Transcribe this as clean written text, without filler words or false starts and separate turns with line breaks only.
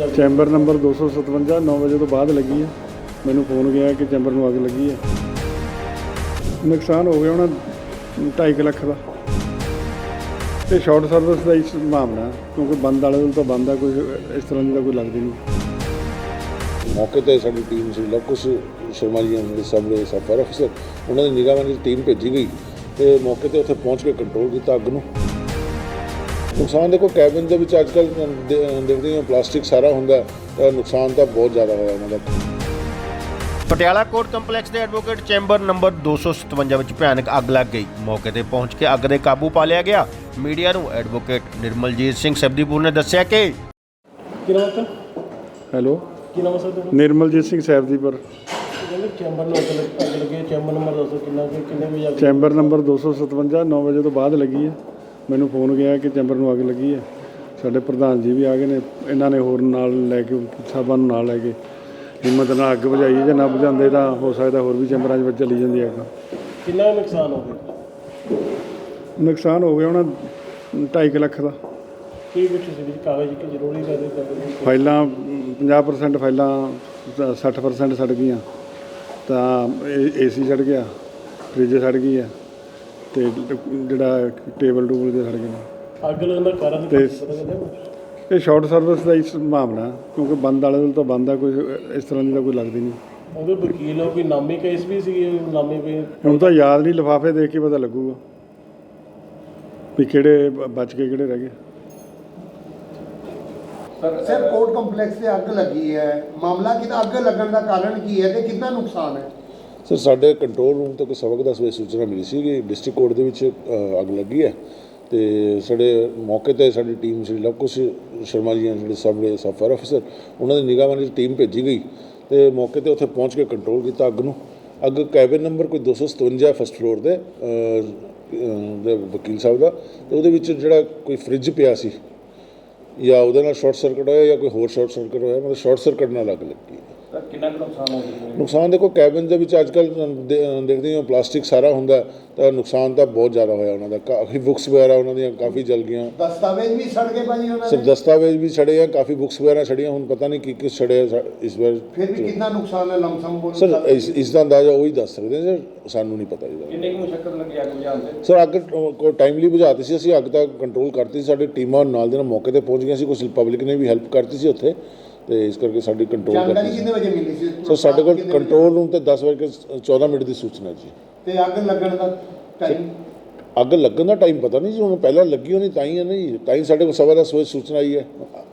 ਲੱਗੀ?
Chamber number 257 9 ਵਜੇ ਤੋਂ ਬਾਅਦ ਲੱਗੀ ਹੈ। ਮੈਨੂੰ ਫੋਨ ਗਿਆ ਕਿ ਚੈਂਬਰ ਨੂੰ ਅੱਗ ਲੱਗੀ ਹੈ। ਨੁਕਸਾਨ ਹੋ ਗਿਆ ਹੋਣਾ 2.5 ਲੱਖ ਦਾ। ਤੇ ਸ਼ਾਰਟ ਸਰਵਿਸ ਦਾ ਹੀ ਮਾਮਲਾ, ਕਿਉਂਕਿ ਬੰਦ ਵਾਲੇ ਵੱਲ ਤਾਂ ਬੰਦ ਆ, ਕੋਈ ਇਸ ਤਰ੍ਹਾਂ ਦੀ ਤਾਂ ਕੋਈ ਲੱਗਦੀ ਨਹੀਂ।
ਮੌਕੇ 'ਤੇ ਸਾਡੀ ਟੀਮ ਸੀ ਲਵਕੁਸ਼ ਸ਼ਰਮਾ ਜੀ ਜਿਹੜੇ ਸਾਹਮਣੇ ਸਬ ਫਾਇਰ ਅਫਸਰ, ਉਹਨਾਂ ਦੀ ਨਿਗਰਾਨੀ ਵਿੱਚ ਟੀਮ ਭੇਜੀ ਗਈ ਤੇ ਮੌਕੇ 'ਤੇ ਉੱਥੇ ਪਹੁੰਚ ਕੇ ਕੰਟਰੋਲ ਕੀਤਾ ਅੱਗ ਨੂੰ। ਨੁਕਸਾਨ ਦੇਖੋ, ਕੈਬਿਨ ਦੇ ਵਿੱਚ ਅੱਜ ਕੱਲ੍ਹ ਦੇਖਦੇ ਹਾਂ ਪਲਾਸਟਿਕ ਸਾਰਾ ਹੁੰਦਾ, ਤਾਂ ਨੁਕਸਾਨ ਤਾਂ ਬਹੁਤ ਜ਼ਿਆਦਾ ਹੋਇਆ ਉਹਨਾਂ ਦਾ।
ਪਟਿਆਲਾ ਕੋਰਟ ਕੰਪਲੈਕਸ ਦੇ ਐਡਵੋਕੇਟ ਚੈਂਬਰ ਨੰਬਰ 257 ਵਿੱਚ ਭਿਆਨਕ ਅੱਗ ਲੱਗ ਗਈ। ਮੌਕੇ ਤੇ ਪਹੁੰਚ ਕੇ ਅੱਗ ਦੇ ਕਾਬੂ ਪਾ ਲਿਆ ਗਿਆ। ਮੀਡੀਆ ਨੂੰ ਐਡਵੋਕੇਟ ਨਿਰਮਲਜੀਤ ਸਿੰਘ ਸਬਦੀਪੁਰ ਨੇ ਦੱਸਿਆ ਕਿ
ਕੀ ਨਾਮ ਹੈ?
ਹੈਲੋ,
ਕੀ ਨਾਮ ਹੈ ਸਰ ਤੁਹਾਡਾ?
ਨਿਰਮਲਜੀਤ ਸਿੰਘ ਸੈਬਦੀਪੁਰ।
ਕਹਿੰਦੇ ਚੈਂਬਰ ਨੂੰ ਅੱਗ ਲੱਗੀ ਹੈ। ਚੈਂਬਰ ਨੰਬਰ ਦੱਸੋ ਕਿੰਨੇ ਵਜੇ ਅੱਗ?
ਚੈਂਬਰ ਨੰਬਰ 257 9 ਵਜੇ ਤੋਂ ਬਾਅਦ ਲੱਗੀ ਹੈ। ਮੈਨੂੰ ਫੋਨ ਗਿਆ ਕਿ ਚੈਂਬਰ ਨੂੰ ਅੱਗ ਲੱਗੀ ਹੈ। ਸਾਡੇ ਪ੍ਰਧਾਨ ਜੀ ਵੀ ਆ ਗਏ ਨੇ, ਇਹਨਾਂ ਨੇ ਹੋਰ ਨਾਲ ਲੈ ਕੇ ਸਾਹਿਬਾਂ ਨੂੰ ਨਾਲ ਲੈ ਕੇ ਹਿੰਮਤ ਨਾਲ ਅੱਗ ਬੁਝਾਈ ਹੈ। ਜੇ ਨਾ ਬੁਝਾਉਂਦੇ ਤਾਂ ਹੋ ਸਕਦਾ ਹੋਰ ਵੀ ਚੈਂਬਰਾਂ 'ਚ ਚੱਲੀ ਜਾਂਦੀ ਅੱਗ।
ਕਿੰਨਾ ਨੁਕਸਾਨ ਹੋ ਗਿਆ?
ਨੁਕਸਾਨ ਹੋ ਗਿਆ ਹੋਣਾ 2.5 ਲੱਖ ਦਾ।
ਕੀ ਕੁਛ ਸੀ ਵਿੱਚ ਕਾਗਜ਼ ਕਿ ਜ਼ਰੂਰੀ ਕਰਦੇ
ਫਾਈਲਾਂ 50% ਫਾਈਲਾਂ 60% ਸੜ ਗਈਆਂ, ਤਾਂ ਏਸੀ ਸੜ ਗਿਆ, ਫਰਿੱਜ ਸੜ ਗਈ ਹੈ, ਤੇ ਜਿਹੜਾ ਟੇਬਲ ਟੂਬਲ ਦੇ ਸੜ ਗਏ।
ਅੱਗ ਲੱਗਣ ਦਾ ਕਾਰਨ
ਤੇ
ਪਤਾ ਲੱਗਿਆ?
ਇਹ ਸ਼ਾਰਟ ਸਰਵਿਸ ਦਾ ਹੀ ਮਾਮਲਾ, ਕਿਉਂਕਿ ਬੰਦ ਵਾਲੇ ਵੱਲ ਤਾਂ ਬੰਦ ਆ, ਕੋਈ ਇਸ ਤਰ੍ਹਾਂ ਦੀ ਤਾਂ ਕੋਈ ਲੱਗਦੀ ਨਹੀਂ।
ਉਹਦੇ ਵਕੀਲ ਹੋ, ਕੋਈ ਨਾਮੀ ਕੇਸ ਵੀ ਸੀਗੇ? ਨਾਮੀ ਵੀ
ਹੁਣ ਤਾਂ ਯਾਦ ਨਹੀਂ, ਲਿਫਾਫੇ ਦੇਖ ਕੇ ਪਤਾ ਲੱਗੂਗਾ ਵੀ ਕਿਹੜੇ ਬਚ ਕੇ ਕਿਹੜੇ ਰਹਿ ਗਏ।
ਸਰ ਕੋਰਟ ਕੰਪਲੈਕਸ 'ਤੇ ਅੱਗ ਲੱਗੀ ਹੈ, ਮਾਮਲਾ ਕਿਹਦਾ? ਅੱਗ ਲੱਗਣ ਦਾ ਕਾਰਨ ਕੀ ਹੈ ਤੇ ਕਿੰਨਾ ਨੁਕਸਾਨ ਹੈ?
ਸਰ, ਸਾਡੇ ਕੰਟਰੋਲ ਰੂਮ ਤੋਂ ਕੋਈ ਸਬਕ 10 ਵਜੇ ਸੂਚਨਾ ਮਿਲੀ ਸੀ ਕਿ ਡਿਸਟ੍ਰਿਕਟ ਕੋਰਟ ਦੇ ਵਿੱਚ ਅੱਗ ਲੱਗੀ ਹੈ, ਤੇ ਸਾਡੇ ਮੌਕੇ 'ਤੇ ਸਾਡੀ ਟੀਮ ਸੀ ਲਵਕੁਸ਼ ਸ਼ਰਮਾ ਜੀ ਜਿਹੜੇ ਸਾਹਮਣੇ ਸਬ ਫਾਇਰ ਅਫਸਰ, ਉਹਨਾਂ ਦੀ ਨਿਗਰਾਨੀ ਵਿੱਚ ਟੀਮ ਭੇਜੀ ਗਈ ਤੇ ਮੌਕੇ 'ਤੇ ਉੱਥੇ ਪਹੁੰਚ ਕੇ ਕੰਟਰੋਲ ਕੀਤਾ ਅੱਗ ਨੂੰ। ਅੱਗ ਕੈਬਿਨ ਨੰਬਰ ਕੋਈ 257 ਫਸਟ ਫਲੋਰ ਦੇ ਵਕੀਲ ਸਾਹਿਬ ਦਾ, ਤੇ ਉਹਦੇ ਵਿੱਚ ਜਿਹੜਾ ਕੋਈ ਫਰਿੱਜ ਪਿਆ ਸੀ, ਜਾਂ ਉਹਦੇ ਨਾਲ ਸ਼ਾਰਟ ਸਰਕਟ ਹੋਇਆ ਜਾਂ ਕੋਈ ਹੋਰ ਸ਼ਾਰਟ ਸਰਕਟ ਹੋਇਆ, ਮਤਲਬ ਸ਼ਾਰਟ ਸਰਕਟ ਨਾਲ ਅੱਗ ਲੱਗੀ।
ਕਿੰਨਾ ਕੁ ਨੁਕਸਾਨ ਹੋ ਗਿਆ?
ਨੁਕਸਾਨ ਦੇਖੋ, ਕੈਬਿਨ ਦੇ ਵਿੱਚ ਅੱਜ ਕੱਲ੍ਹ ਦੇਖਦੇ ਹਾਂ ਪਲਾਸਟਿਕ ਸਾਰਾ ਹੁੰਦਾ, ਤਾਂ ਨੁਕਸਾਨ ਤਾਂ ਬਹੁਤ ਜ਼ਿਆਦਾ ਹੋਇਆ ਉਹਨਾਂ ਦਾ। ਕਾਫੀ ਬੁੱਕਸ ਵਗੈਰਾ ਉਹਨਾਂ ਦੀਆਂ ਕਾਫੀ ਜਲ ਗਈਆਂ।
ਦਸਤਾਵੇਜ਼ ਵੀ ਸੜ ਗਏ ਭਾਜੀ ਉਹਨਾਂ
ਸਰ,
ਦੇ?
ਦਸਤਾਵੇਜ਼ ਵੀ ਸੜੇ ਆ, ਕਾਫੀ ਬੁੱਕਸ ਵਗੈਰਾ ਸੜੀਆਂ। ਹੁਣ ਪਤਾ ਨਹੀਂ ਕੀ ਸੜਿਆ ਇਸ ਵਾਰ।
ਫਿਰ ਵੀ ਕਿੰਨਾ ਨੁਕਸਾਨ ਹੈ ਲਮਸਮ ਬੋਲ?
ਸਰ, ਇਸ ਦਾ ਅੰਦਾਜ਼ਾ ਉਹੀ ਦੱਸ ਸਕਦੇ ਸਰ, ਸਾਨੂੰ ਨਹੀਂ ਪਤਾ ਇਹਦਾ।
ਕਿੰਨੇ ਕੁ ਮੁਸ਼ਕਲ ਲੱਗੀ ਅੱਗ ਬੁਝਾਉਣ ਤੇ?
ਸਰ, ਅੱਗ ਕੋਈ ਟਾਈਮਲੀ ਬੁਝਾਤੀ ਸੀ ਅਸੀਂ, ਅੱਗ ਤਾਂ ਕੰਟਰੋਲ ਕਰਤੀ ਸੀ। ਸਾਡੀ ਟੀਮਾਂ ਨਾਲ ਦੇ ਨਾਲ ਮੌਕੇ 'ਤੇ ਪਹੁੰਚ ਗਈਆਂ ਸੀ, ਕੁਝ ਪਬਲਿਕ ਨੇ ਵੀ ਹੈਲਪ ਕਰਤੀ ਸੀ ਉੱਥੇ, ਤੇ ਇਸ ਕਰਕੇ ਸਾਡੀ ਕੰਟਰੋਲ
ਜਾਣਕਾਰੀ
ਕਰਤੀ
ਕਿੰਨੇ ਵਜੇ ਮਿਲੀ ਸੀ?
ਸਰ, ਸਾਡੇ ਕੋਲ ਕੰਟਰੋਲ ਰੂਮ ਤੇ 10:14 ਦੀ ਸੂਚਨਾ ਜੀ।
ਤੇ ਅੱਗ ਲੱਗਣ ਦਾ ਟਾਈਮ?
ਅੱਗ ਲੱਗਣ ਦਾ ਟਾਈਮ ਪਤਾ ਨਹੀਂ ਜੀ, ਹੁਣ ਪਹਿਲਾਂ ਲੱਗੀ ਹੋਣੀ ਤਾਂ ਹੀ ਹੈ ਨਾ ਜੀ, ਤਾਂ ਹੀ ਸਾਡੇ ਕੋਲ 10:15 ਵਜੇ ਸੂਚਨਾ ਆਈ ਹੈ।